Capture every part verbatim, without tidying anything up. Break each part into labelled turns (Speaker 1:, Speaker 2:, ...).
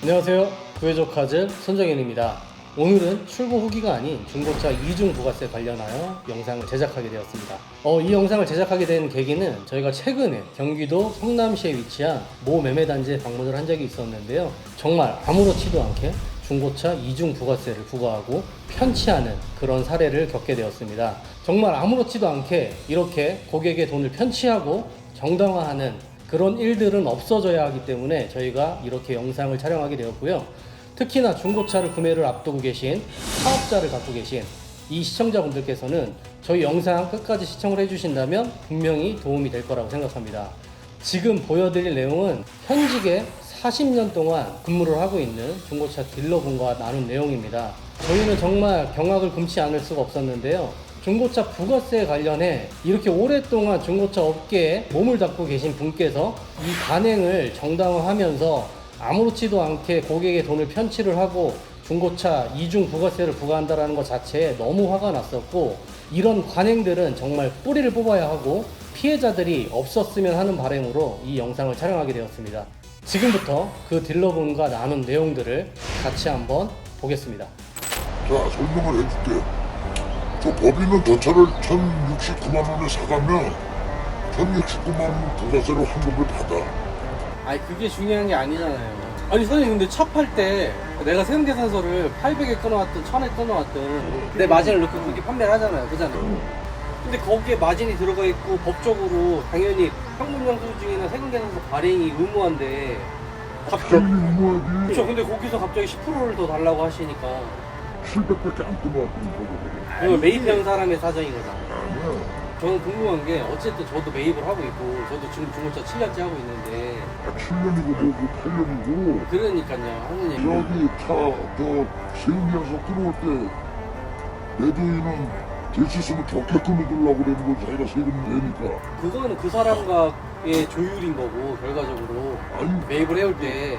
Speaker 1: 안녕하세요. 구해조카즈 손정현입니다. 오늘은 출고 후기가 아닌 중고차 이중 부가세 관련하여 영상을 제작하게 되었습니다. 어, 이 영상을 제작하게 된 계기는 저희가 최근에 경기도 성남시에 위치한 모 매매단지에 방문을 한 적이 있었는데요. 정말 아무렇지도 않게 중고차 이중 부가세를 부과하고 편취하는 그런 사례를 겪게 되었습니다. 정말 아무렇지도 않게 이렇게 고객의 돈을 편취하고 정당화하는 그런 일들은 없어져야 하기 때문에 저희가 이렇게 영상을 촬영하게 되었고요. 특히나 중고차를 구매를 앞두고 계신 사업자를 갖고 계신 이 시청자분들께서는 저희 영상 끝까지 시청을 해주신다면 분명히 도움이 될 거라고 생각합니다. 지금 보여드릴 내용은 현직에 사십 년 동안 근무를 하고 있는 중고차 딜러분과 나눈 내용입니다. 저희는 정말 경악을 금치 않을 수가 없었는데요. 중고차 부가세에 관련해 이렇게 오랫동안 중고차 업계에 몸을 닦고 계신 분께서 이 관행을 정당화하면서 아무렇지도 않게 고객의 돈을 편취를 하고 중고차 이중 부가세를 부과한다는 것 자체에 너무 화가 났었고, 이런 관행들은 정말 뿌리를 뽑아야 하고 피해자들이 없었으면 하는 바람으로 이 영상을 촬영하게 되었습니다. 지금부터 그 딜러분과 나눈 내용들을 같이 한번 보겠습니다.
Speaker 2: 자, 설명을 해줄게. 저 법인은 저 차를 천육십구만 원에 사가면 천육십구만 원 부가세로 환급을 받아.
Speaker 1: 아니 그게 중요한 게 아니잖아요. 아니 선생님, 근데 차 팔 때 내가 세금계산서를 팔백에 끊어왔든 천에 끊어왔든 내 마진을 넣고 그렇게 판매를 하잖아요. 그잖아요. 근데 거기에 마진이 들어가 있고 법적으로 당연히 현금영수증이나 세금계산서 발행이 의무한데
Speaker 2: 갑자기 의무하지.
Speaker 1: 그렇죠. 근데 거기서 갑자기 십 퍼센트를 더 달라고 하시니까
Speaker 2: 칠백밖에 안 끊어왔던 거거든.
Speaker 1: 이거 매입한 사람의 사정인 거잖아.
Speaker 2: 아니야.
Speaker 1: 저는 궁금한 게 어쨌든 저도 매입을 하고 있고 저도 지금 중고차 칠 년째 하고 있는데
Speaker 2: 아, 칠 년이고 뭐고 팔 년이고.
Speaker 1: 그러니까요, 하느님.
Speaker 2: 여기 차, 저, 세운이어서 끊어올 때, 내 돈은 될 수 있으면 적게 끊어주려고 그러는 거 자기가 세금 내니까.
Speaker 1: 그거는 그 사람과의 조율인 거고, 결과적으로
Speaker 2: 아니,
Speaker 1: 매입을 해올 때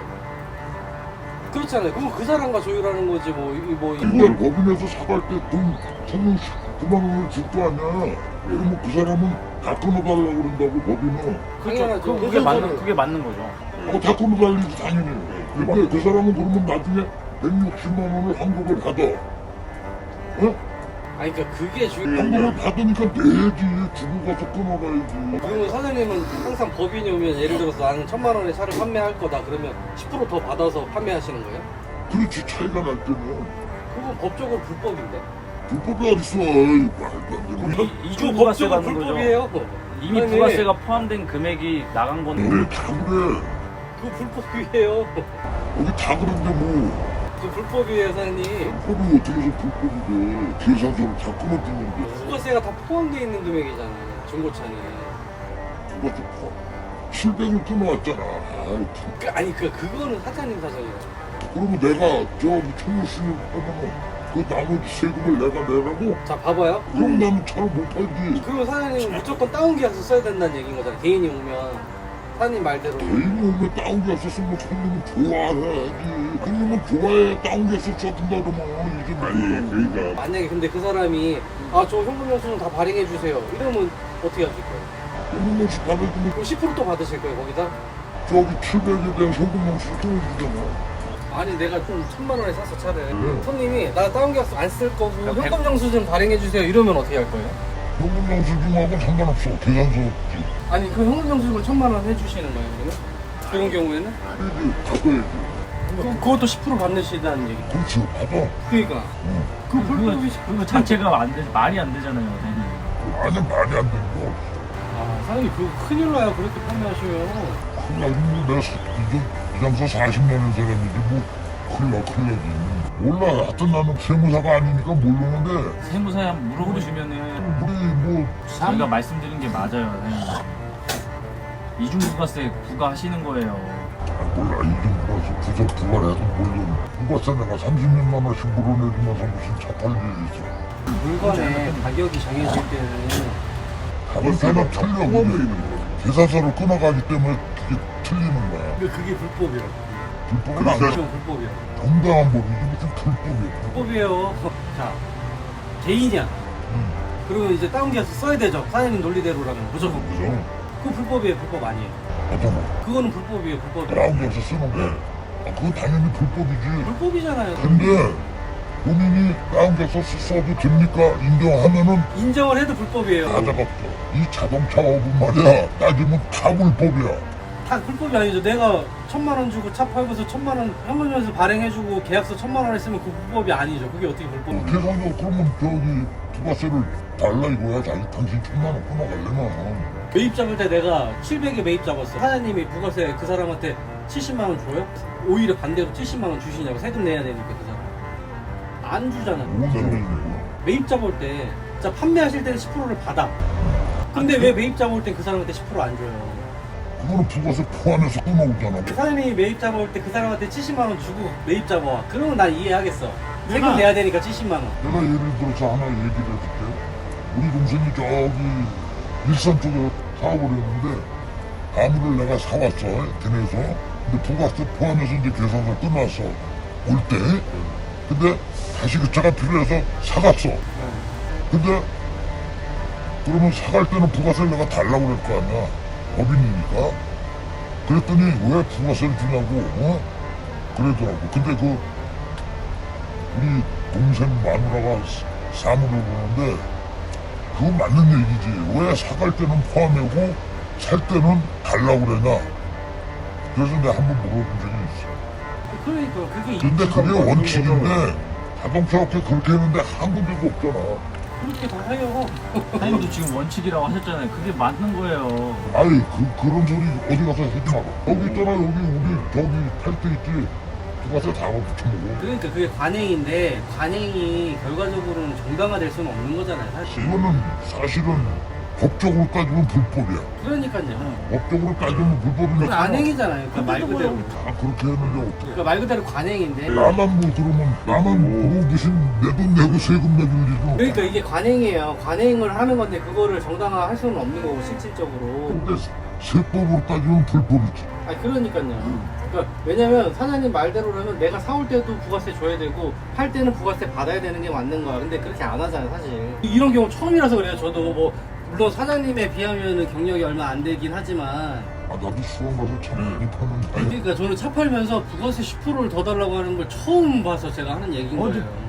Speaker 1: 그렇잖아요. 그럼 그 사람과 조율하는 거지 뭐. 이 뭐
Speaker 2: 그걸 법인에서 사갈 때 돈 천육십구만 원을 줄 거 아니야. 그러면 그 사람은 다 끊어달라고 그런다고, 법인은.
Speaker 1: 당연하죠.
Speaker 3: 그, 그게 맞는 그게 맞는 거죠.
Speaker 2: 그거 다 끊어달리지, 당연히. 근데 그 사람은 그러면 나중에 백육십만 원을 환급을 받아. 어?
Speaker 1: 아니 그러니까 그게 중요.
Speaker 2: 환급을 받으니까 내야지. 주고 가서 끊어가야지.
Speaker 1: 그러면 사장님은 항상 법인이 오면 예를 들어서 나는 천만 원에 차를 판매할 거다 그러면 십 퍼센트 더 받아서 판매하시는 거예요?
Speaker 2: 그렇지, 차이가 날 때는.
Speaker 1: 그건 법적으로 불법인데.
Speaker 2: 불법이 어딨어. 에이, 말도 안 되는.
Speaker 3: 이- 이중 부가세가
Speaker 1: 법적으로
Speaker 3: 하는 거죠.
Speaker 1: 불법이에요.
Speaker 3: 이미
Speaker 1: 아니,
Speaker 3: 부가세가 포함된 금액이 나간 건데
Speaker 2: 그래, 다 그래.
Speaker 1: 그거 불법이에요.
Speaker 2: 여기 다 그런데 뭐.
Speaker 1: 그 불법이에요, 사장님.
Speaker 2: 불법이 어떻게 해서 불법이 돼. 계산서를 다 끊어주는데.
Speaker 1: 부가세가 다 포함되어 있는 금액이잖아요, 중고차는.
Speaker 2: 누가 좀 퍼. 칠백을 끊어왔잖아. 아이, 참.
Speaker 1: 그, 아니 그 그거는 사장님 사정이에요.
Speaker 2: 그러면 내가 저기 천육십을 하면은 그 나머지 세금을 내가 내라고?
Speaker 1: 자 봐봐요.
Speaker 2: 그럼 나는 차를 못 팔지.
Speaker 1: 그러면 사장님은 무조건 다운기어서 써야 된다는 얘기인 거잖아요. 개인이 오면 사장님 말대로.
Speaker 2: 개인이 오면 다운기어서 쓰면 손님은 좋아해야지. 손님은 좋아해 다운기어서 써준다 그러면 이게 아니, 그러니까.
Speaker 1: 만약에 근데 그 사람이 아 저 현금영수증 다 발행해 주세요 이러면 어떻게 하실 거예요?
Speaker 2: 현금영수 받아주면
Speaker 1: 그럼 십 퍼센트 또 받으실 거예요 거기다?
Speaker 2: 저기 칠백에 대한 현금영수를 끊어주잖아.
Speaker 1: 아니 내가 좀 천만 원에 샀어 차를.
Speaker 2: 네.
Speaker 1: 손님이 나 다운기어서 안 쓸 거고
Speaker 3: 백-
Speaker 1: 현금영수증 발행해 주세요 이러면 어떻게 할 거예요?
Speaker 2: 현금영수증하고 상관없어. 계산서 없지.
Speaker 1: 아니 그 현금영수증을 천만 원 해주시는 거예요 그러면? 그런 경우에는?
Speaker 2: 해야지. 받아야지.
Speaker 1: 그, 그것도 십 퍼센트 받으시다는 얘기.
Speaker 2: 그렇지. 받아.
Speaker 1: 그러니까
Speaker 2: 응.
Speaker 1: 그
Speaker 3: 그거
Speaker 1: 불법이
Speaker 3: 그거 자체가 안 돼, 말이 안 되잖아요. 선생님.
Speaker 2: 아니, 말이 안 되는 거.
Speaker 1: 아 사장님 그거 큰일 나요 그렇게 판매하시면.
Speaker 2: 큰일 나지. 뭐 내가 사- 이제 이 장사 사십 년의 사람이지 뭐 큰일 나 큰일 나지. 몰라. 하여튼 나는 세무사가 아니니까 모르는데
Speaker 3: 세무사에 한번 물어보시면은
Speaker 2: 우리 뭐
Speaker 3: 저희가 말씀드린 게 맞아요. 선생님. 이중 부가세 부과하시는 거예요.
Speaker 2: 아, 몰라. 이좀 벌써 부서 부활해서 몰라. 부가세 내가 삼십 년만 원씩 물어내주면서 무슨 차 팔 일이 있어.
Speaker 1: 물건의 가격이 정해질 때는
Speaker 2: 다른 데는 틀려. 그게. 계산서를 끊어가기 때문에 그게 틀리는 거야.
Speaker 1: 근데 그게 불법이라고.
Speaker 2: 불법은 아니야.
Speaker 1: 그건 불법이야.
Speaker 2: 정당한 법이지 무슨 불법이야.
Speaker 1: 불법이에요. 자, 개인이야.
Speaker 2: 응.
Speaker 1: 그러면 이제 다운기어서 써야 되죠. 사장님 논리대로라면 무조건.
Speaker 2: 그죠?
Speaker 1: 그거 불법이에요. 불법 아니에요.
Speaker 2: 하잖아.
Speaker 1: 그거는 불법이에요. 불법.
Speaker 2: 다운기어서 쓰는 거야. 아, 그거 당연히 불법이지.
Speaker 1: 불법이잖아요.
Speaker 2: 근데 본인이 다운돼서 써도 됩니까? 인정하면은
Speaker 1: 인정을 해도 불법이에요.
Speaker 2: 가자가 없어. 이 자동차 업은 말이야. 따지면 다 불법이야.
Speaker 1: 다 불법이 아니죠. 내가 천만 원 주고 차 팔고서 천만 원 현금연수 발행해주고 계약서 천만 원 했으면 그 불법이 아니죠. 그게 어떻게 불법이에요?
Speaker 2: 계산적으로 그러면 저기 부가세를 달라 이거야. 자기 당신 천만 원 끊어가려면.
Speaker 1: 매입 잡을 때 내가 칠백에 매입 잡았어. 사장님이 부가세 그 사람한테 칠십만 원 줘요? 오히려 반대로 칠십만 원 주시냐고. 세금 내야 되니까 그 사람 안 주잖아.
Speaker 2: 뭔 소리냐 이거.
Speaker 1: 매입 잡을 때 자 판매하실 때는 십 퍼센트를 받아. 근데 왜 매입 잡을 때 그 사람한테 십 퍼센트 안 줘요?
Speaker 2: 그거는 부가세 포함해서 끊어오잖아.
Speaker 1: 그 사장님이 매입 잡을 때 그 사람한테 칠십만 원 주고 매입 잡아. 그러면 난 이해하겠어. 세금
Speaker 3: 내가-
Speaker 1: 내야 되니까 칠십만 원.
Speaker 2: 내가 예를 들어서 하나 얘기를 해줄게. 우리 동생이 저기 일산 쪽에 사업을 했는데 나무를 내가 사왔어. 걔네에서. 근데 부가세 포함해서 이제 계산서 끝났어. 올 때. 근데 다시 그 차가 필요해서 사갔어. 근데 그러면 사갈 때는 부가세를 내가 달라고 그럴 거 아니야. 법인이니까. 그랬더니 왜 부가세를 주냐고, 어? 그러더라고. 근데 그 우리 동생 마누라가 사- 사무를 보는데 그거 맞는 얘기지. 왜 사갈 때는 포함이고 살 때는 달라고 그러냐. 그래서 내가 한번 물어본 적이 있어.
Speaker 1: 그러니까 그게
Speaker 2: 근데
Speaker 1: 이치가
Speaker 2: 그게
Speaker 1: 없는
Speaker 2: 원칙인데
Speaker 1: 거죠.
Speaker 2: 자동차 업계 그렇게 했는데 한 군데도 없잖아.
Speaker 1: 그렇게 다 해요.
Speaker 3: 사장님도 지금 원칙이라고 하셨잖아요. 그게 맞는 거예요.
Speaker 2: 아이 그, 그런 소리 어디 가서 하지 마라. 여기 있잖아. 여기 우리 저기 탈때 있지. 누가서 다 붙여먹어.
Speaker 1: 그러니까 그게 관행인데 관행이 결과적으로는 정당화될 수는 없는 거잖아요. 사실.
Speaker 2: 이거는 사실은 법적으로 따지면 불법이야.
Speaker 1: 그러니까요.
Speaker 2: 법적으로 따지면
Speaker 1: 그건
Speaker 2: 불법이니까
Speaker 1: 관행이잖아요. 그러니까 말 그대로.
Speaker 2: 다 그렇게 했는데 어떻게.
Speaker 1: 그러니까 말 그대로 관행인데.
Speaker 2: 나만 뭐 그러면 나만 보고 계신 내 돈 내고 세금 내줄 일도.
Speaker 1: 그러니까 이게 관행이에요. 관행을 하는 건데 그거를 정당화할 수는 없는 거고 실질적으로.
Speaker 2: 근데 세법으로 따지면 불법이지.
Speaker 1: 아 그러니까요. 그러니까 왜냐면 사장님 말대로라면 내가 사올 때도 부가세 줘야 되고 팔 때는 부가세 받아야 되는 게 맞는 거야. 근데 그렇게 안 하잖아요, 사실. 이런 경우 처음이라서 그래요. 저도 뭐 물론 사장님에 비하면 경력이 얼마 안 되긴 하지만
Speaker 2: 아 나도 수원 가서 차 많이 파는. 아니,
Speaker 1: 그러니까 저는 차 팔면서 부가세 십 퍼센트를 더 달라고 하는 걸 처음 봐서 제가 하는 얘기인
Speaker 3: 어디-
Speaker 1: 거예요.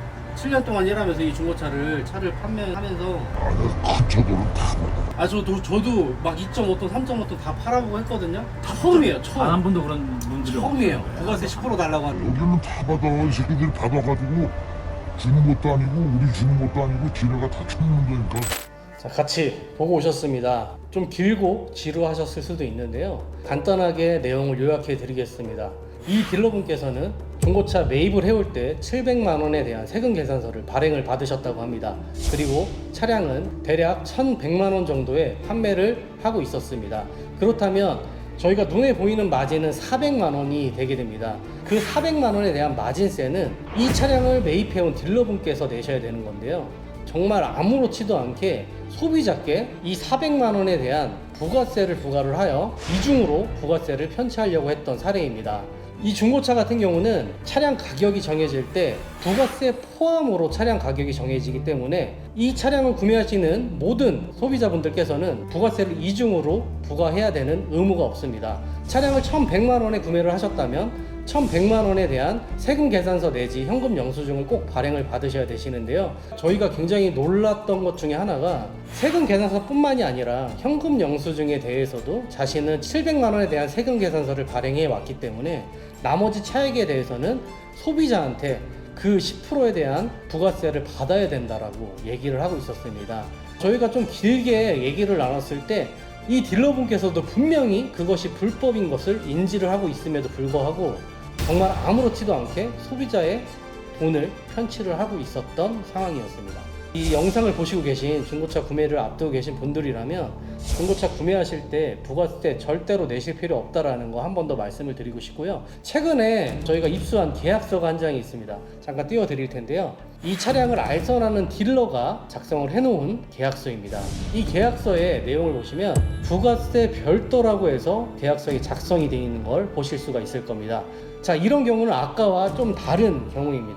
Speaker 1: 칠 년 동안 일하면서 이 중고차를 차를 판매하면서
Speaker 2: 아 내가 큰 차들은 다 받아.
Speaker 1: 아 저도 저도 막 이 점 오 톤, 삼 점 오 톤 다 팔아보고 했거든요. 처음이에요, 처음.
Speaker 3: 단 한 번도 그런 분들이
Speaker 1: 처음이에요. 부가세 십 퍼센트 달라고 하는 거.
Speaker 2: 여기는 다 받아. 이 새끼들이 받아가지고 주는 것도 아니고 우리 주는 것도 아니고 지네가 다 쳐먹는 거니까.
Speaker 1: 자, 같이 보고 오셨습니다. 좀 길고 지루하셨을 수도 있는데요. 간단하게 내용을 요약해 드리겠습니다. 이 딜러분께서는 중고차 매입을 해올 때 칠백만 원에 대한 세금 계산서를 발행을 받으셨다고 합니다. 그리고 차량은 대략 천백만 원 정도의 판매를 하고 있었습니다. 그렇다면 저희가 눈에 보이는 마진은 사백만 원이 되게 됩니다. 그 사백만 원에 대한 마진세는 이 차량을 매입해온 딜러분께서 내셔야 되는 건데요. 정말 아무렇지도 않게 소비자께 이 사백만 원에 대한 부가세를 부과를 하여 이중으로 부가세를 편취하려고 했던 사례입니다. 이 중고차 같은 경우는 차량 가격이 정해질 때 부가세 포함으로 차량 가격이 정해지기 때문에 이 차량을 구매하시는 모든 소비자분들께서는 부가세를 이중으로 부과해야 되는 의무가 없습니다. 차량을 천백만 원에 구매를 하셨다면 천백만 원에 대한 세금 계산서 내지 현금 영수증을 꼭 발행을 받으셔야 되시는데요. 저희가 굉장히 놀랐던 것 중에 하나가 세금 계산서뿐만이 아니라 현금 영수증에 대해서도 자신은 칠백만 원에 대한 세금 계산서를 발행해 왔기 때문에 나머지 차액에 대해서는 소비자한테 그 십 퍼센트에 대한 부가세를 받아야 된다라고 얘기를 하고 있었습니다. 저희가 좀 길게 얘기를 나눴을 때 이 딜러분께서도 분명히 그것이 불법인 것을 인지를 하고 있음에도 불구하고 정말 아무렇지도 않게 소비자의 돈을 편취를 하고 있었던 상황이었습니다. 이 영상을 보시고 계신 중고차 구매를 앞두고 계신 분들이라면 중고차 구매하실 때 부가세 절대로 내실 필요 없다라는 거 한 번 더 말씀을 드리고 싶고요. 최근에 저희가 입수한 계약서가 한 장이 있습니다. 잠깐 띄워드릴 텐데요. 이 차량을 알선하는 딜러가 작성을 해놓은 계약서입니다. 이 계약서의 내용을 보시면 부가세 별도라고 해서 계약서에 작성이 되어 있는 걸 보실 수가 있을 겁니다. 자, 이런 경우는 아까와 좀 다른 경우입니다.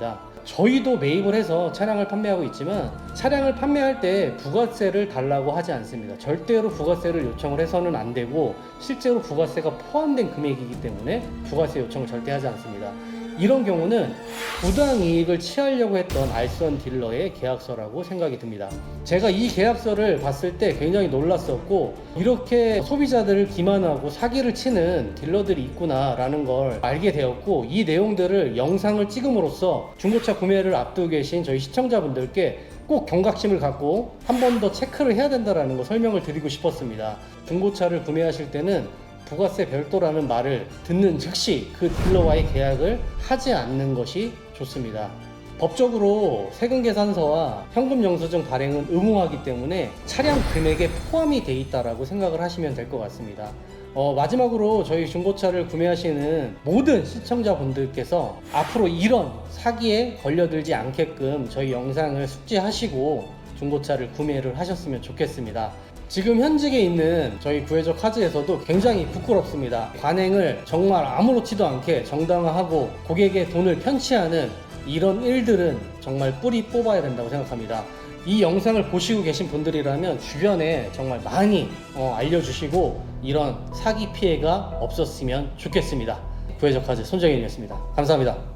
Speaker 1: 저희도 매입을 해서 차량을 판매하고 있지만 차량을 판매할 때 부가세를 달라고 하지 않습니다. 절대로 부가세를 요청을 해서는 안 되고 실제로 부가세가 포함된 금액이기 때문에 부가세 요청을 절대 하지 않습니다. 이런 경우는 부당이익을 취하려고 했던 알선 딜러의 계약서라고 생각이 듭니다. 제가 이 계약서를 봤을 때 굉장히 놀랐었고, 이렇게 소비자들을 기만하고 사기를 치는 딜러들이 있구나라는 걸 알게 되었고, 이 내용들을 영상을 찍음으로써 중고차 구매를 앞두고 계신 저희 시청자분들께 꼭 경각심을 갖고 한 번 더 체크를 해야 된다는 거 설명을 드리고 싶었습니다. 중고차를 구매하실 때는 부가세 별도라는 말을 듣는 즉시 그 딜러와의 계약을 하지 않는 것이 좋습니다. 법적으로 세금계산서와 현금영수증 발행은 의무화하기 때문에 차량 금액에 포함이 돼 있다라고 생각을 하시면 될 것 같습니다. 어, 마지막으로 저희 중고차를 구매하시는 모든 시청자분들께서 앞으로 이런 사기에 걸려들지 않게끔 저희 영상을 숙지하시고 중고차를 구매를 하셨으면 좋겠습니다. 지금 현직에 있는 저희 구해적 카즈에서도 굉장히 부끄럽습니다. 관행을 정말 아무렇지도 않게 정당화하고 고객의 돈을 편취하는 이런 일들은 정말 뿌리 뽑아야 된다고 생각합니다. 이 영상을 보시고 계신 분들이라면 주변에 정말 많이 어, 알려주시고 이런 사기 피해가 없었으면 좋겠습니다. 구해적 카즈 손정현이었습니다. 감사합니다.